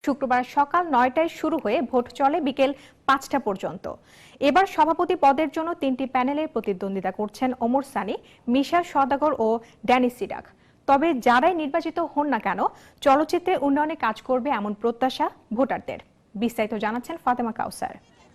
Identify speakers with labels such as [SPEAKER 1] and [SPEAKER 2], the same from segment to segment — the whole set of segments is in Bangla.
[SPEAKER 1] শুক্রবার সকাল ৯টায় শুরু হয়ে ভোট চলে বিকেল ৫টা পর্যন্ত। এবার সভাপতি পদের জন্য ৩টি প্যানেলে প্রতিদ্বন্দ্বিতা করছেন ওমর সানি, মিশা সওদাগর ও ড্যানি সিডাক। তবে যারাই নির্বাচিত হন না কেন, চলচ্চিত্রের উন্নয়নে কাজ করবে এমন প্রত্যাশা ভোটারদের। বিস্তারিত জানাচ্ছেন ফাতেমা কাউসার।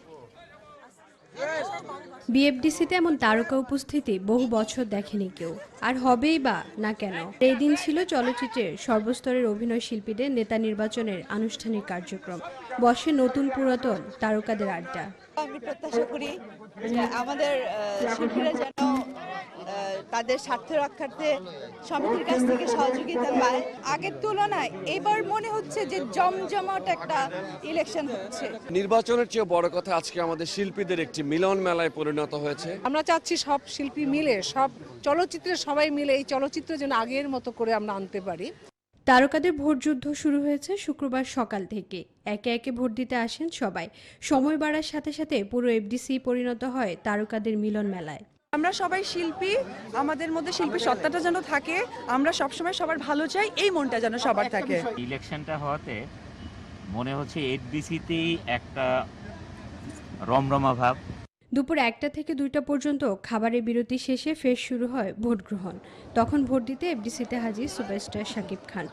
[SPEAKER 2] বিএফডিসিতে এমন তারকা উপস্থিতি বহু বছর দেখেনি কেউ, আর হবেই বা না কেন। এই দিন ছিল চলচ্চিত্রের সর্বস্তরের অভিনয় শিল্পীদের নেতা নির্বাচনের আনুষ্ঠানিক কার্যক্রম। বসে নতুন পুরাতন তারকাদের আড্ডা।
[SPEAKER 3] আমি প্রত্যাশা করি যে আমাদের শিল্পীরা যেন তাদের স্বার্থ রক্ষার্থে সমিতির কাছ থেকে সহযোগিতা পায়। আগের তুলনায় এবার মনে হচ্ছে যে জমজমাট একটা ইলেকশন হচ্ছে।
[SPEAKER 4] নির্বাচনের চেয়ে বড় কথা আজকে আমাদের শিল্পীদের একটি মিলন মেলায় পরিণত হয়েছে।
[SPEAKER 5] আমরা চাচ্ছি সব শিল্পী মিলে, সব চলচ্চিত্রের সবাই মিলে এই চলচ্চিত্র যেন আগের মতো করে আমরা আনতে পারি।
[SPEAKER 2] তারকাদের ভোট যুদ্ধ শুরু হয়েছে শুক্রবার সকাল থেকে। একে একে ভোট দিতে আসেন সবাই। সময় বাড়ার সাথে সাথে পুরো এফডিসি পরিণত হয় তারকাদের মিলন মেলায়।
[SPEAKER 6] আমরা সবাই শিল্পী, আমাদের মধ্যে শিল্পী সত্তাটা যেন থাকে, আমরা সবসময় সবার ভালো চাই, এই মনটা যেন সবার থাকে।
[SPEAKER 7] ইলেকশনটা হওয়াতে মনে হচ্ছে এফডিসিতেই একটা রমরমা ভাব।
[SPEAKER 2] দুপুর 1টা থেকে 2টা পর্যন্ত খাবারের বিরতি শেষে ফের শুরু হয় ভোট গ্রহণ। তখন ভোট দিতে এফডিসিতে হাজির সুপারস্টার শাকিব খান।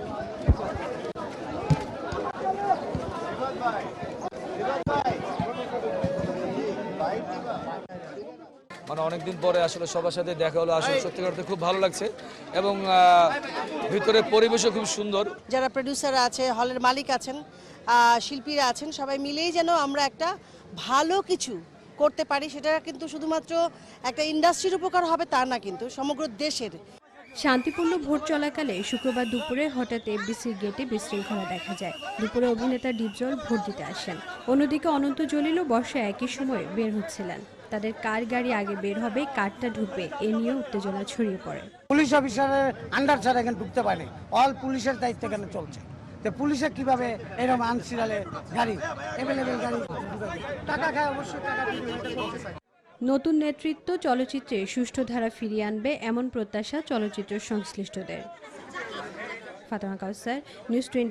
[SPEAKER 8] মানে অনেকদিন পরে আসলে সবার সাথে দেখা হলো, আসলে সত্যি করতে খুব ভালো লাগছে এবং ভিতরের পরিবেশও খুব সুন্দর।
[SPEAKER 9] যারা প্রোডিউসার আছে, হলের মালিক আছেন, শিল্পীরা আছেন, সবাই মিলেই যেন আমরা একটা ভালো কিছু করতে পারি। সেটা কিন্তু শুধুমাত্র একটা ইন্ডাস্ট্রির উপকার হবে তা না, কিন্তু সমগ্র দেশের।
[SPEAKER 2] শান্তিপূর্ণ ভোট চলাকালে শুক্রবার দুপুরে হঠাৎ এফডিসির গেটে বিশৃঙ্খলা দেখা যায়। দুপুরে অভিনেতা ডিপজল ভোট দিতে আসেন। অন্যদিকে অনন্ত জলিলও বর্ষা একই সময় বের হচ্ছিলেন। তাদের কার গাড়ি আগে বের হবে, কারটা ঢুকবে, এ নিয়ে উত্তেজনা ছড়িয়ে পড়ে।
[SPEAKER 10] পুলিশ অফিসারের আন্ডার ছাড়া এখানে ঢুকতে পারে, অল পুলিশের দায়িত্ব এখানে চলছে। তো পুলিশে কিভাবে এরকম আনসিরালে গাড়ি এভেলেবেল গাড়ি টাকা খায়, অবশ্যই টাকা দিয়ে।
[SPEAKER 2] নতুন নেতৃত্ব চলচ্চিত্রে সুষ্ঠু ধারা ফিরিয়ে আনবে এমন প্রত্যাশা চলচ্চিত্র সংশ্লিষ্টদের। ফাতেমা কাউসার, নিউজ 20।